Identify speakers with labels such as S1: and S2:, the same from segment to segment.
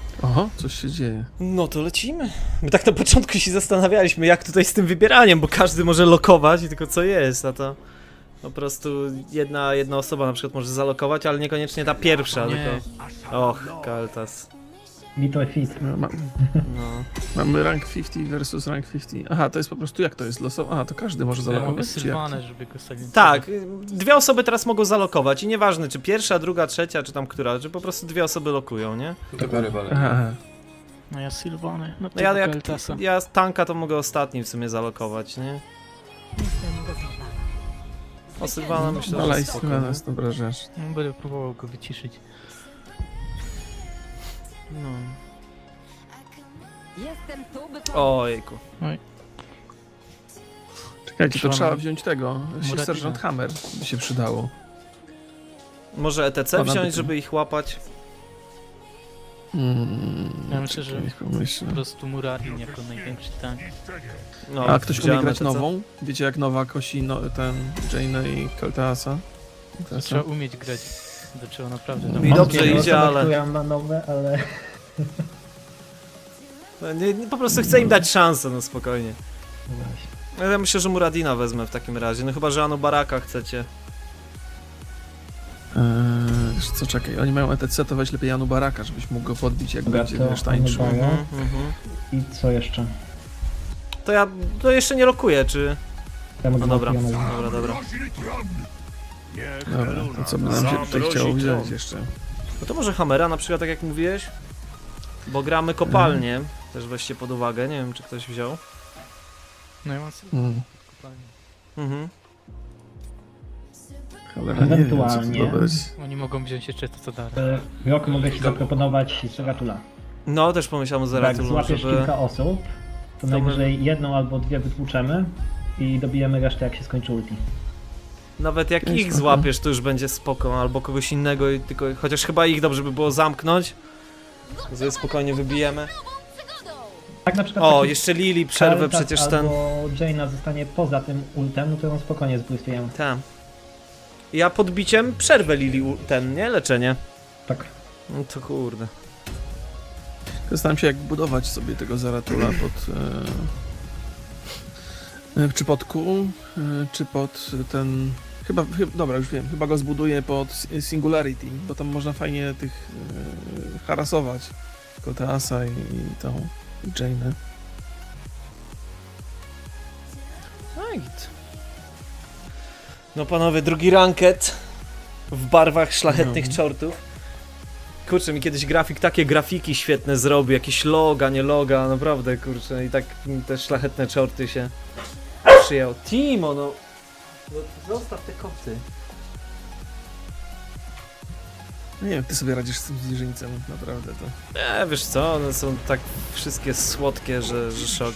S1: Oho, coś się dzieje.
S2: No to lecimy. My tak na początku się zastanawialiśmy, jak tutaj z tym wybieraniem, bo każdy może lokować i tylko co jest, a to po prostu jedna osoba na przykład może zalokować, ale niekoniecznie ta pierwsza,
S3: Nie.
S2: tylko... Och, Kaltas.
S4: Little Fit.
S2: No.
S1: Mamy rank 50 versus rank 50. Aha, to jest po prostu jak to jest losowo? Aha, to każdy może
S3: Ja mogę
S1: zalokować, czy jak?
S3: Sylwanę, żeby go sobie...
S2: Tak, dwie osoby teraz mogą zalokować i nieważne czy pierwsza, druga, trzecia, czy tam która, że po prostu dwie osoby lokują, nie?
S1: Aha.
S3: No ja Sylwanę, no
S2: No ja,
S3: tego
S2: jak,
S3: Keltasa.
S2: ja tanka to mogę ostatni w sumie zalokować, nie? O Sylwana myślę,
S1: Ale
S2: że
S1: i
S2: spoko,
S1: Sylwana
S2: nie?
S1: jest dobra rzecz.
S3: No, będę próbował go wyciszyć.
S2: No.
S5: Jestem tu, by
S2: Ojejku.
S1: Czekajcie, to
S3: Trzeba
S1: trzeba
S3: nam-
S1: wziąć tego.
S3: Muratina.
S1: Sergeant Hammer by się przydało.
S2: Może ETC
S1: Ponad
S2: wziąć,
S1: tym.
S2: żeby ich łapać?
S3: Ja myślę, że
S1: niech pomyślę.
S3: po prostu Muradin jako największy tank.
S2: No,
S1: A ktoś umie
S2: wziąłem
S1: grać
S2: ETC.
S1: nową? Wiecie jak nowa kosi ten Jane'a i Kaltasa?
S3: Trzeba umieć grać. To trzeba naprawdę
S2: Mi
S3: dobrze.
S2: dobrze
S4: Wiele
S2: idzie,
S4: osób,
S2: ale-
S4: które ma nowe, ale...
S2: No, nie, po prostu chcę im dać szansę, no spokojnie.
S4: Właśnie.
S2: Ja myślę, że Muradina wezmę w takim razie, no chyba, że Anu Baraka chcecie.
S1: Wiesz co, czekaj, oni mają ETC, to weź lepiej Janu Baraka, żebyś mógł go podbić jak
S4: Dobra,
S1: będzie
S4: to
S1: wiesz, tańczył.
S4: Anu Baraka.
S2: Mhm.
S4: I co jeszcze?
S2: To ja to jeszcze nie lokuję, czy...
S4: Ja mogę
S2: No dobra,
S4: lokować.
S2: dobra.
S1: Dobra, to co by nam się tutaj chciało wziąć jeszcze?
S2: No to może Hammera na przykład, tak jak mówiłeś? Bo gramy kopalnię, też weźcie pod uwagę, nie wiem czy ktoś wziął.
S3: No ja mam Sylwanę.
S1: Hmm.
S2: Mhm.
S1: Cholera, nie wiem, co tu
S4: Ewentualnie.
S1: dobrać.
S3: Oni mogą wziąć jeszcze to co dalej.
S4: W roku mogę ci zaproponować Zeratula.
S2: No też pomyślałem o
S4: Jak
S2: Zeratulu,
S4: złapiesz
S2: żeby...
S4: kilka osób, to najwyżej jedną albo dwie wytłuczemy i dobijemy resztę jak się skończy ulti.
S2: Nawet jak
S1: Jest
S2: ich
S1: spoko.
S2: złapiesz, to już będzie spoko, albo kogoś innego i tylko... Chociaż chyba ich dobrze by było zamknąć. Sobie spokojnie wybijemy.
S4: Tak na przykład
S2: O,
S4: taki
S2: jeszcze Lili przerwę
S4: Kaltas
S2: przecież ten...
S4: albo Jaina zostanie poza tym ultem, no to ją spokojnie zbójstujemy.
S2: Ten. Ja podbiciem przerwę Lili ten, nie? Leczenie.
S4: Tak.
S2: No to kurde.
S1: Zastanawiam się jak budować sobie tego Zaratula pod... czy pod Q, czy pod ten... Dobra, już wiem, chyba go zbuduję pod Singularity, bo tam można fajnie tych harasować. Kaltasa i tą Jane'ę.
S2: Right. No panowie, drugi ranket w barwach szlachetnych
S1: No.
S2: czortów. Kurczę, mi kiedyś grafik takie grafiki świetne zrobił, jakieś loga, nie loga, naprawdę kurczę, i tak te szlachetne czorty się przyjął. Timo, no zostaw te koty.
S1: No nie wiem, ty sobie radzisz z tym zwierzyńcem, naprawdę to.
S2: Nie, wiesz co, one są tak wszystkie słodkie, że szok.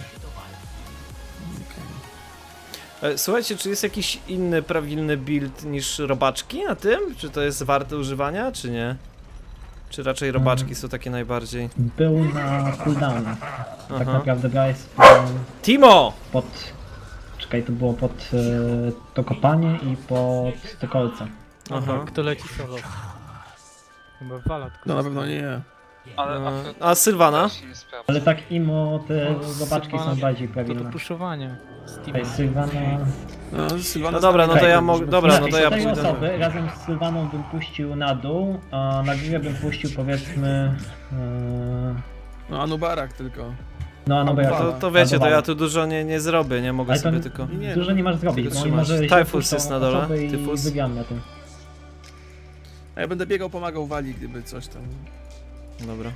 S2: Słuchajcie, czy jest jakiś inny, prawilny build niż robaczki na tym? Czy to jest warte używania, czy nie? Czy raczej robaczki są takie najbardziej?
S4: Był na cooldownie. Tak
S2: Aha.
S4: naprawdę gra jest
S2: Timo!
S4: pod... Czekaj, to było pod to kopanie i pod te kolce.
S2: Aha.
S3: Kto leci solo? Chyba Wala tylko.
S1: No na pewno nie ja.
S2: A Sylwana?
S4: Ale tak imo te zobaczki są
S3: Sylwana
S4: bardziej
S3: To do
S4: prawilne.
S3: puszowania.
S4: Tutaj Sylwana...
S1: No, Sylwana
S2: No dobra, no to ja
S4: Czekaj,
S2: mogę. Dobra, no to ja
S4: 4
S2: pójdę.
S4: osoby razem z Sylwaną bym puścił na dół, a na górę bym puścił powiedzmy...
S1: No Anubarak tylko.
S4: no, no bo ja
S2: To wiecie, to ja tu dużo nie zrobię, nie mogę
S4: Ale to
S2: sobie tylko.
S1: Nie,
S4: dużo nie masz zrobić,
S2: tylko
S4: bo oni
S2: trzymać.
S4: może
S2: Typhus
S4: się
S2: jest na dole,
S4: osoby i
S2: Typhus.
S4: wygramy na tym.
S1: A ja będę biegał, pomagał Wali, gdyby coś tam.
S2: Dobra.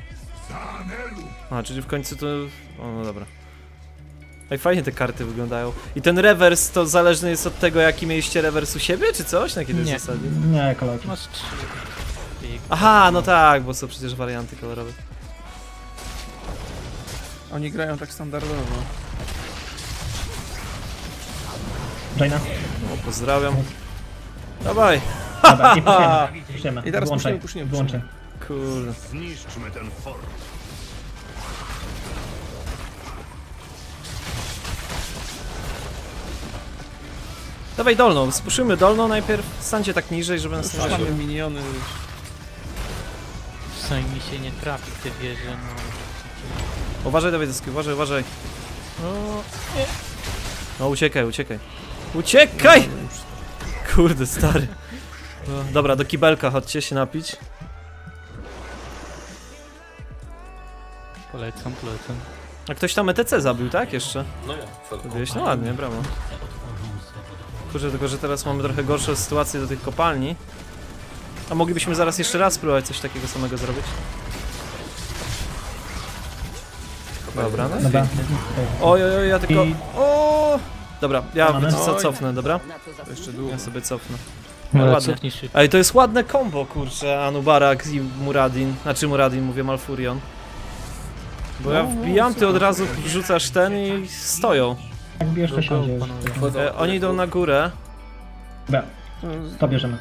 S2: A, czyli w końcu to... O, no dobra. Ej, fajnie te karty wyglądają. I ten rewers to zależny jest od tego, jaki mieliście rewers u siebie, czy coś? Na jakiej
S3: Nie.
S2: zasadzie?
S4: Nie, kolorki.
S3: Masz 3.
S2: Aha, no tak, bo są przecież warianty kolorowe.
S1: Oni grają tak standardowo.
S4: Jaina?
S2: O, pozdrawiam. Dawaj!
S4: Dobra, i puszujemy.
S1: I teraz
S4: Wyłączaj,
S1: puszniemy.
S4: wyłączaj.
S2: Kurde.
S6: Zniszczmy ten fort.
S2: Dawaj dolną, spuszymy dolną najpierw. Stańcie tak niżej, żeby nas nie
S1: Mamy
S2: widzieli.
S1: miniony.
S3: Przynajmniej mi się nie trafi w te wieże, no.
S2: Uważaj, Dawidoski, uważaj, uważaj.
S3: O,
S2: No uciekaj, uciekaj. Uciekaj! Kurde, stary. No, dobra, do kibelka chodźcie się napić.
S3: polecam.
S2: A ktoś tam ETC zabił, tak? Jeszcze?
S5: No ja,
S2: Zrobiłeś? No ładnie, brawo. Kurczę, tylko że teraz mamy trochę gorszą sytuację do tych kopalni. A moglibyśmy zaraz jeszcze raz spróbować coś takiego samego zrobić. Dobra, no.
S4: Dobra.
S2: Oj, oj, oj, ja tylko...
S4: I-
S2: O! Dobra, ja
S4: Mamy?
S2: wiecie co, cofnę, dobra?
S1: To jeszcze długo.
S2: Ja sobie cofnę.
S3: No,
S2: ładnie.
S3: cofnij szybko.
S2: Ej, to jest ładne combo, kurczę, Anubarak i Muradin. Znaczy Muradin, mówię Malfurion. Bo ja wbijam, ty od razu wrzucasz ten i stoją.
S4: Jak bierz to siądzie.
S2: Oni idą na górę.
S4: Dobra, to bierzemy.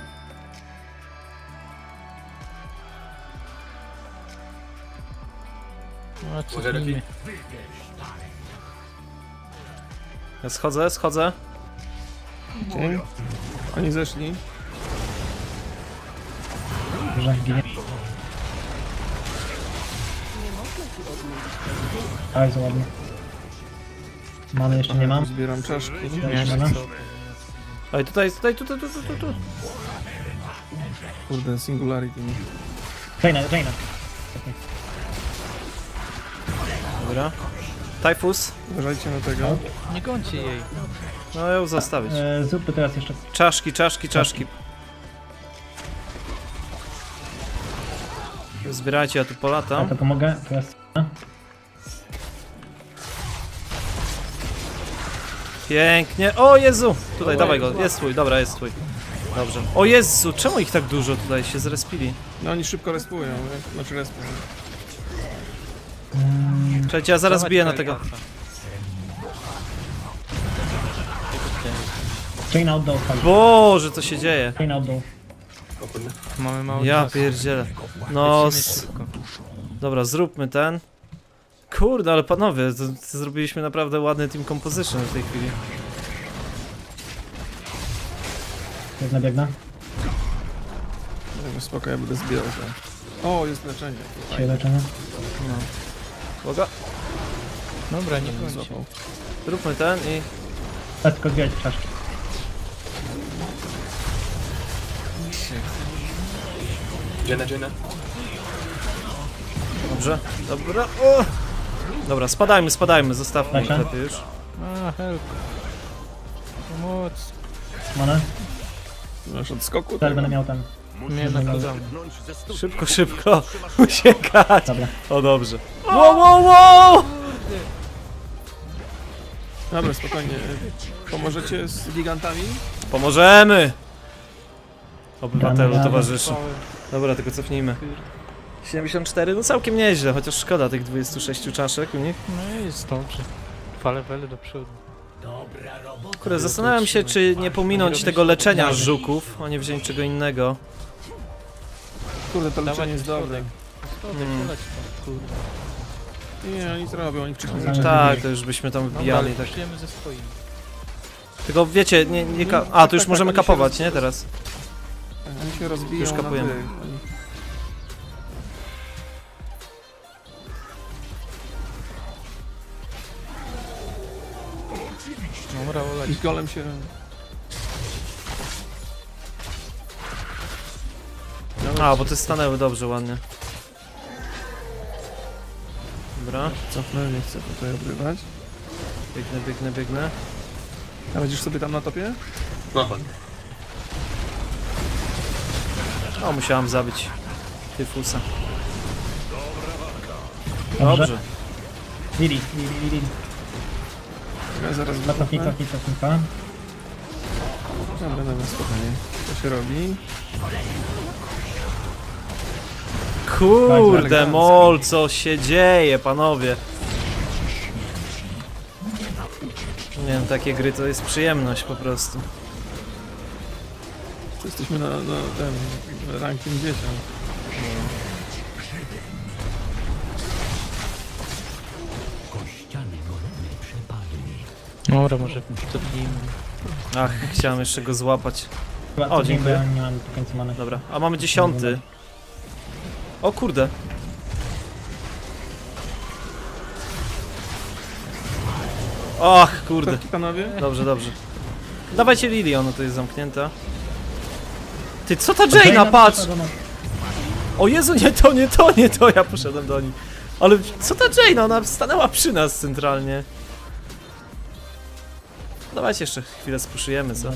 S3: No, cofnijmy.
S2: Ja schodzę, schodzę.
S1: Dzień. Oni zeszli.
S4: Że ginie. Bardzo ładnie. Mamy jeszcze nie mam.
S1: Zbieram czaszki.
S4: Jeszcze nie.
S2: Ej, tutaj, tu.
S1: Kurde, singularity.
S4: Jaina.
S2: Dobra. Typhus.
S1: Uważajcie na tego.
S3: Nie gońcie jej.
S2: No ją zostawić.
S4: Zróbmy teraz jeszcze.
S2: Czaszki. Zbierajcie, ja tu
S4: Ja
S2: polatam.
S4: to pomogę. Teraz.
S2: Pięknie. O Jezu! Tutaj, dawaj go. Jest twój, dobra, jest twój. Dobrze. O Jezu, czemu ich tak dużo tutaj się zrespili?
S1: No oni szybko respują, nie? Znaczy respują.
S2: Czekajcie, ja zaraz
S3: Zobacz,
S2: biję na
S3: jak
S2: tego.
S3: łatwa.
S4: Jaina oddał fali.
S2: Boże, co się dzieje?
S4: Jaina oddał.
S3: Mamy mało
S2: Ja
S3: czasu.
S2: pierdzielę. No,
S3: Lecimy szybko.
S2: dobra, zróbmy ten. Kurde, ale panowie, to zrobiliśmy naprawdę ładny team composition w tej chwili.
S4: Biegnę.
S1: Spoko, ja będę zbierał to. O, jest leczenie.
S4: Się leczenie.
S2: No. Boga,
S3: Dobra, nie gońcie.
S1: Złapał.
S2: zróbmy ten i...
S4: Teraz tylko zbierać czaszki.
S5: Jenna.
S2: Dobrze, dobra, o! Dobra, spadajmy, zostawmy ich
S4: Lecę.
S2: lepiej już.
S3: A, help. Pomoc.
S4: Monę.
S1: Masz od skoku?
S4: Teraz będę miał ten.
S3: Mnie nakładamy.
S2: Szybko, uciekać!
S4: Dobra.
S2: O, dobrze. Wow!
S1: Dobra, spokojnie. Pomożecie z gigantami?
S2: Pomożemy! Obywatelu,
S4: Damy
S2: towarzyszu. Dobra, tylko cofnijmy. 74, no całkiem nieźle, chociaż szkoda tych 26 czaszek u nich.
S3: No i jest dobrze. Dwa levely do przodu.
S2: Kurde, zastanawiam się, czy nie pominąć tego leczenia żuków, a nie wziąć czego innego.
S1: Kurde, to
S3: Dawać
S1: leczenie jest dobre.
S3: Schodek, poleć tam, kurde.
S1: Nie, oni co robią, oni wcześniej
S4: Tak.
S1: zaczęli.
S2: Tak, to już byśmy tam
S3: Dobra,
S2: wbijali,
S3: ale
S2: tak.
S3: przyjemy ze swoimi.
S2: Tylko wiecie, nie a, tu już
S1: tak,
S2: możemy
S1: oni się
S2: kapować, nie, teraz?
S1: Oni się rozbiją
S2: Już
S1: na
S2: kapujemy.
S1: tych. Oni-
S3: Dobra, oleć.
S1: Ich golem się...
S2: A, bo te stanęły dobrze, ładnie. Dobra,
S1: Cofnę, nie chcę tutaj obrywać.
S2: biegnę.
S1: A będziesz sobie tam na topie?
S5: No chodź.
S2: O, musiałam zabić Tyfusa.
S4: Dobrze.
S2: Dobrze.
S4: Lili.
S1: Ja zaraz
S4: Cofnij.
S1: Dobra, spokojnie. Co się robi?
S2: Kurde,
S1: elegancko.
S2: mol, co się dzieje, panowie? Nie wiem, takie gry to jest przyjemność po prostu.
S1: Jesteśmy na ten ranking 10.
S3: Dobra, może cofnijmy.
S2: Ach, chciałem jeszcze go złapać.
S4: Chyba
S2: O,
S4: cofnij, bo
S2: dziękuję.
S4: ja nie mam do końca many.
S2: Dobra, a mamy 10. O kurde. Och, kurde.
S1: Taki panowie?
S2: Dobrze, dobrze. Dawajcie Lili, ona tu jest zamknięta. Ty, co ta Jaina, patrz! O Jezu, nie to, nie to, nie to, ja poszedłem do nich. Ale co ta Jaina, ona stanęła przy nas centralnie. Dawajcie jeszcze chwilę spuszujemy, co?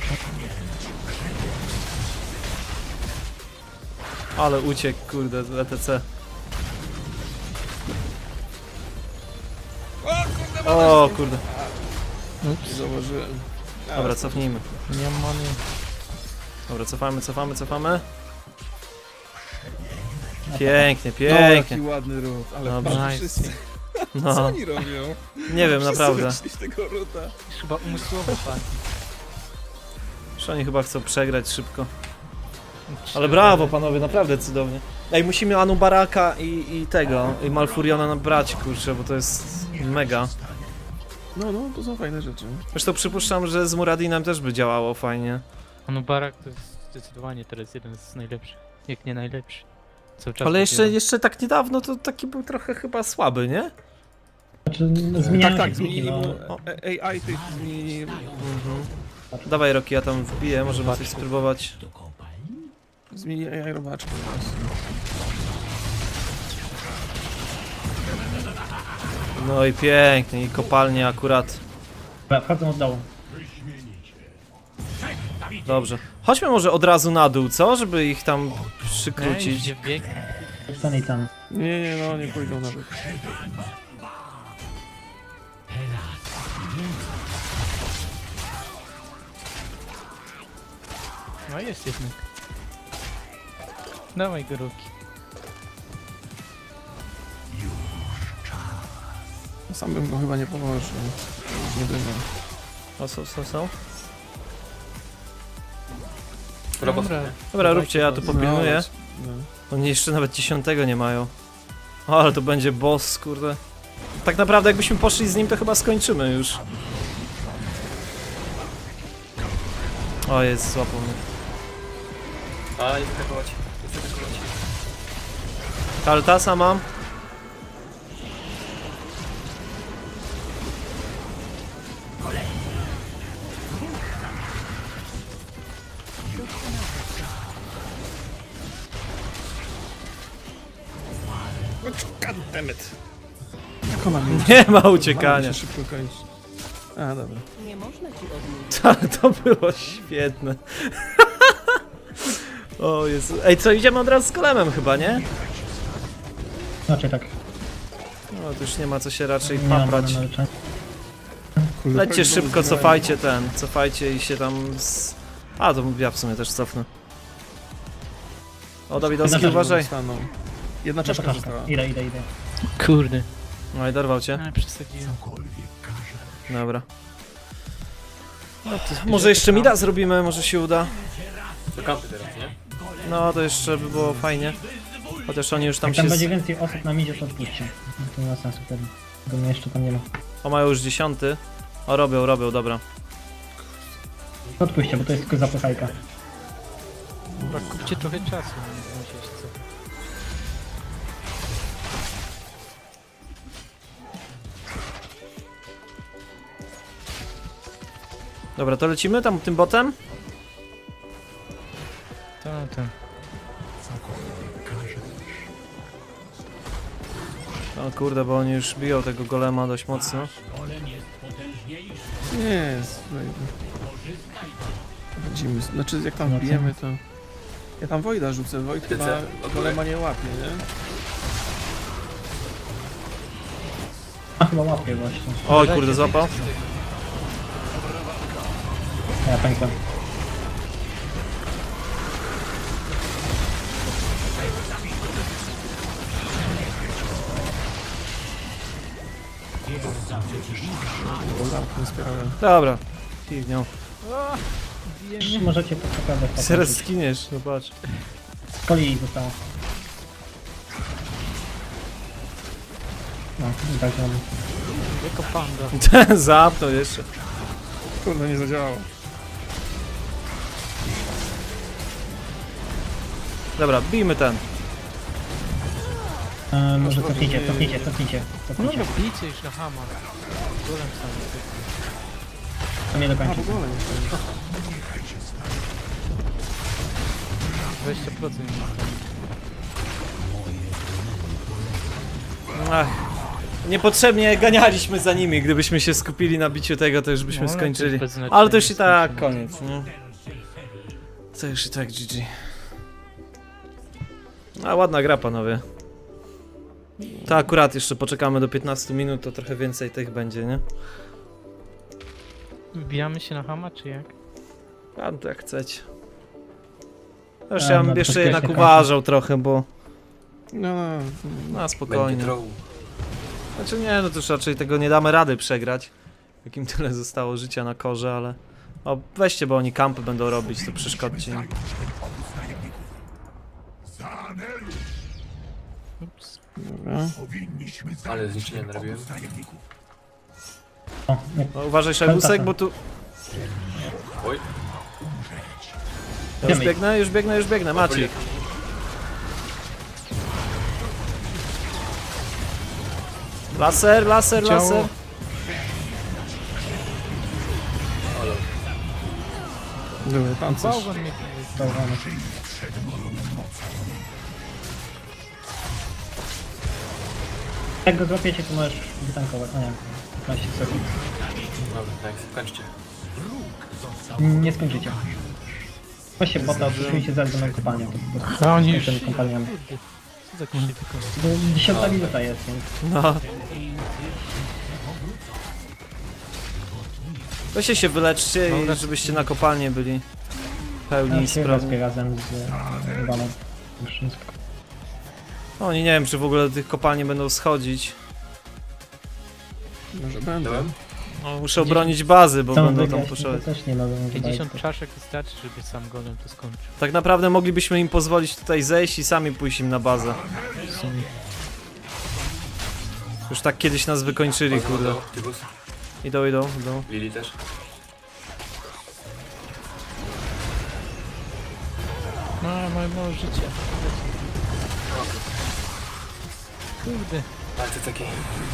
S2: Ale uciekł, kurde, z ETC. O kurde.
S1: Zauważyłem.
S2: Dobra, cofnijmy.
S3: Nie mam many.
S2: Dobra, cofamy. Pięknie,
S1: No,
S2: pięknie.
S1: jaki ładny ruch, ale
S2: Dobra.
S1: patrz,
S3: Nice.
S1: wszyscy, co
S2: No,
S1: oni robią?
S2: nie wiem,
S1: Wszyscy
S2: naprawdę.
S1: wyszli z tego ruta.
S3: Chyba umysłowo pan.
S2: Że oni chyba chcą przegrać szybko. Ale brawo panowie, naprawdę cudownie. Ej, musimy Anubaraka i tego, i Malfuriona nabrać, kurczę, bo to jest mega.
S1: No, to są fajne rzeczy.
S2: Zresztą przypuszczam, że z Muradinem też by działało fajnie.
S3: Anubarak to jest zdecydowanie teraz jeden z najlepszych. Jak nie najlepszy. Cały czas
S2: Ale
S3: dopiero.
S2: jeszcze tak niedawno to taki był trochę chyba słaby, nie?
S4: Znaczy, zmieniają
S1: Tak,
S4: się
S1: zmienili
S4: no.
S1: mu AI tych zmienili.
S2: Dawaj Roki, ja tam wbiję, możemy coś spróbować.
S1: Zmienili AI robaczkę.
S2: No i pięknie, i kopalnie akurat.
S4: Dobra, wchodzą od dołu.
S2: Dobrze. Chodźmy może od razu na dół, co? Żeby ich tam
S3: Ej,
S2: przykrócić.
S3: gdzie bieg?
S4: Ten i ten.
S1: Nie, no, nie pójdą nawet.
S3: No jest jednak. Dawaj go Roki.
S1: Sam bym go chyba nie położył. Już nie będę.
S2: O, są.
S5: Robot.
S2: Dobra, róbcie, ja tu popilnuję.
S1: No.
S2: Oni jeszcze nawet 10 nie mają. O, ale to będzie boss, kurde. Tak naprawdę jakbyśmy poszli z nim, to chyba skończymy już. O, jest, złapał mnie.
S5: A, nie atakować. Nie atakować.
S2: Kaltasa mam.
S1: Goddammit. Jak ona mi
S2: Nie ma uciekania.
S1: się szybko kończy. A, dobra.
S6: Nie można ci odmówić.
S2: To było świetne. O Jezu. Ej, co, idziemy od razu z golemem chyba, nie?
S4: Znaczy tak.
S2: No, to już nie ma co się raczej
S4: Nie mam
S2: paprać.
S4: na leczenie.
S1: Kurde,
S2: Lećcie
S1: tak
S2: szybko,
S1: znowu
S2: cofajcie cofajcie i się tam z... A, to ja w sumie też cofnę. O, Dawidowski,
S4: Jedna
S2: uważaj.
S1: zostaną. Jedna czaszka
S4: Czaszka.
S1: została.
S4: Idę.
S3: Kurde.
S2: No i dorwał cię.
S3: A, przesadziłem.
S2: Dobra.
S3: No to
S2: Może jeszcze mida zrobimy, może się uda.
S5: Do kampy teraz, nie?
S2: No, to jeszcze by było fajnie. Chociaż oni już tam
S4: Jak
S2: się...
S4: tam będzie więcej osób na midzie, to odpuśćcie. To nie ma sensu wtedy. Bo mnie jeszcze tam nie ma.
S2: O, mają już 10. O, robią, dobra.
S4: Odpuśćcie, bo to jest tylko zapychajka.
S3: Chyba kupcie trochę czasu, nie musieć co.
S2: Dobra, to lecimy tam tym botem?
S3: Tak.
S2: O kurde, bo oni już biją tego golema dość mocno.
S1: Nie, Chodzimy, znaczy jak tam
S4: No,
S1: bijemy to... Ja tam Wojda rzucę, Wojt chyba golema nie łapie, nie?
S4: A chyba łapię właśnie.
S2: Oj, kurde, złapał.
S4: A ja pękłem.
S1: Nie spierałem.
S2: Dobra. Piwnią.
S4: Możecie po naprawdę
S2: Zaraz skiniesz, no patrz.
S4: Z kolei zostało. No, i tak mamy.
S3: Jako panda.
S2: Zapnął jeszcze.
S1: Kurde, nie zadziałało.
S2: Dobra, bijmy ten.
S4: Może cofnijcie.
S3: No no, bijcie już na hama. Golem sam.
S4: To nie
S1: A,
S4: dokończy.
S1: w ogóle nie.
S3: 20% nie ma.
S2: Ach, niepotrzebnie ganialiśmy za nimi. Gdybyśmy się skupili na biciu tego, to już byśmy
S3: No, ale to
S2: skończyli.
S3: jest bez znaczenia,
S2: Ale to już i tak
S3: skończymy.
S2: koniec, nie? To już i tak GG. A ładna gra, panowie. To akurat jeszcze poczekamy do 15 minut, to trochę więcej tych będzie, nie?
S3: Wbijamy się na hama, czy jak?
S2: A to jak chcecie. Już
S4: A,
S2: ja
S4: no
S2: bym
S4: to
S2: jeszcze
S4: bezpiecznie
S2: jednak
S4: kończy.
S2: uważał trochę, bo...
S1: No,
S2: Na
S5: Będzie
S2: spokojnie.
S5: troll.
S2: Znaczy nie, no to już raczej tego nie damy rady przegrać. Jakim tyle zostało życia na korze, ale... O, weźcie, bo oni kampy będą robić, to przeszkodźcie im.
S3: Ups.
S1: dobra.
S5: Ale zniszczenia narobiłem.
S4: O, nie.
S2: No, uważaj, Szajbusek, bo tu...
S5: Oj,
S2: Ja już biegnę, Maciek. Laser.
S3: Ciało.
S1: Dobra, pancerz.
S3: Bałwan mnie
S4: Bałwany. Jak go złapiecie, to możesz wytankować. O nie, 15 sekund.
S5: dobra, tak, kończcie.
S4: Nie skończycie. Weźcie bota, odsuńcie za na kopalnię. To po prostu
S3: A oni już...
S4: tymi kopalniami.
S3: Kurde. Co za krzywy
S4: Bo 10 minuta jest, więc...
S2: No. Weźcie się wyleczcie i żebyście na kopalnie byli pełni
S4: Ja się
S2: sprawy.
S4: respię razem z Iwaną. Już nie spoko.
S2: Oni nie wiem, czy w ogóle do tych kopalni będą schodzić.
S1: Może będę.
S5: Dałem?
S2: No, muszę obronić bazy, bo
S4: Chcą
S2: będą tam
S4: wygrać,
S2: puszować.
S4: to też nie mogą
S3: 50 czaszek wystarczy, żeby sam golem to skończył.
S2: Tak naprawdę moglibyśmy im pozwolić tutaj zejść i sami pójść im na bazę.
S3: W sumie.
S2: Już tak kiedyś nas wykończyli, kurde.
S5: Tybus,
S2: Idą.
S5: Lili też.
S3: No, moje mało życia. Kurde.
S5: Ale to taki...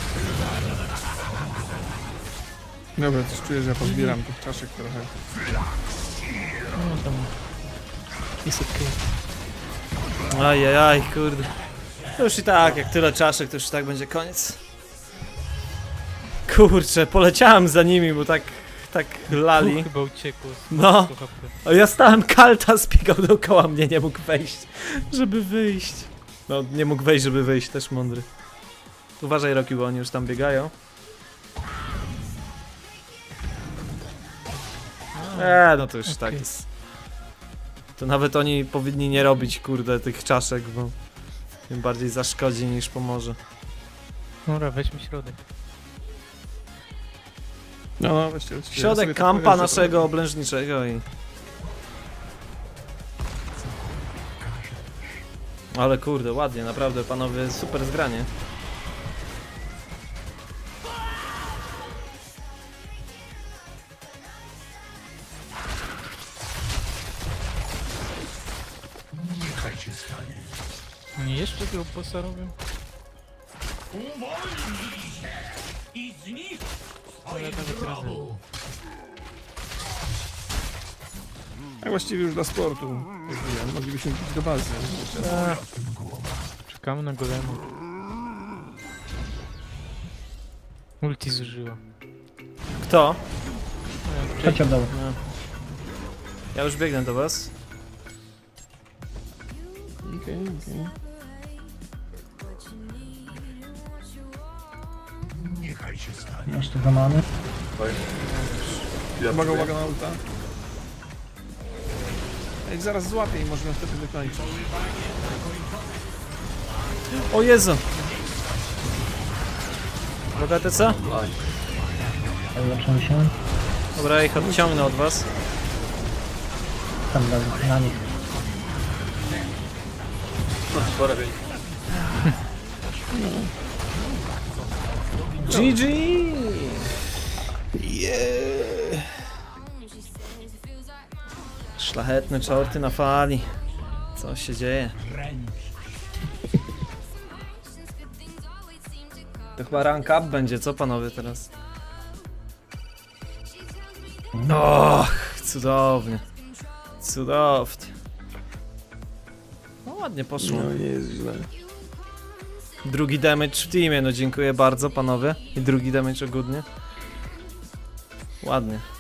S1: Dobra, coś czuję, że ja pozbieram tych czaszek trochę.
S3: No tam... Jest okej.
S2: Ajajaj, kurde. To już i tak, jak tyle czaszek, to już i tak będzie koniec. Kurczę, poleciałem za nimi, bo tak lali.
S3: Chyba uciekło. z
S2: No.
S3: 100 HP.
S2: A ja stałem, Kaltas biegał dookoła mnie, nie mógł wejść, żeby wyjść. No, nie mógł wejść, żeby wyjść, też mądry. Uważaj, Rocky, bo oni już tam biegają. No to już
S3: Okej.
S2: tak jest. To nawet oni powinni nie robić, kurde, tych czaszek, bo tym bardziej zaszkodzi niż pomoże.
S3: Dobra, weźmy środek.
S1: No, weźcie. Ja
S2: Środek
S1: sobie tak
S2: kampa
S1: powiem, że
S2: naszego oblężniczego i... Ale kurde, ładnie, naprawdę, panowie, super zgranie.
S3: Oni jeszcze tego bossa robią? Ale nawet razem.
S1: Tak właściwie już dla sportu. Mówiłem, moglibyśmy iść do bazy.
S3: Czekamy na golema. Multi zużyła.
S2: Kto?
S4: Chodź od dołu.
S2: No. Ja już biegnę do was.
S1: Okej.
S4: Masz tu zamany.
S5: Oj.
S1: Uwaga na ulta. Jak zaraz złapię i możemy wtedy wykończyć.
S2: O Jezu! Bogaty co?
S5: Oj.
S4: Ulepszam się.
S2: Dobra, ja ich odciągnę od was.
S4: Tam na nich.
S5: Porobień.
S2: GG! Szlachetne czorty na fali. Co się dzieje? To chyba rank up będzie, co panowie teraz? Och, cudownie. Cudownie. No ładnie poszło.
S1: No nie jest źle.
S2: Drugi damage w teamie, no dziękuję bardzo panowie. I drugi damage ogólnie. Ładnie.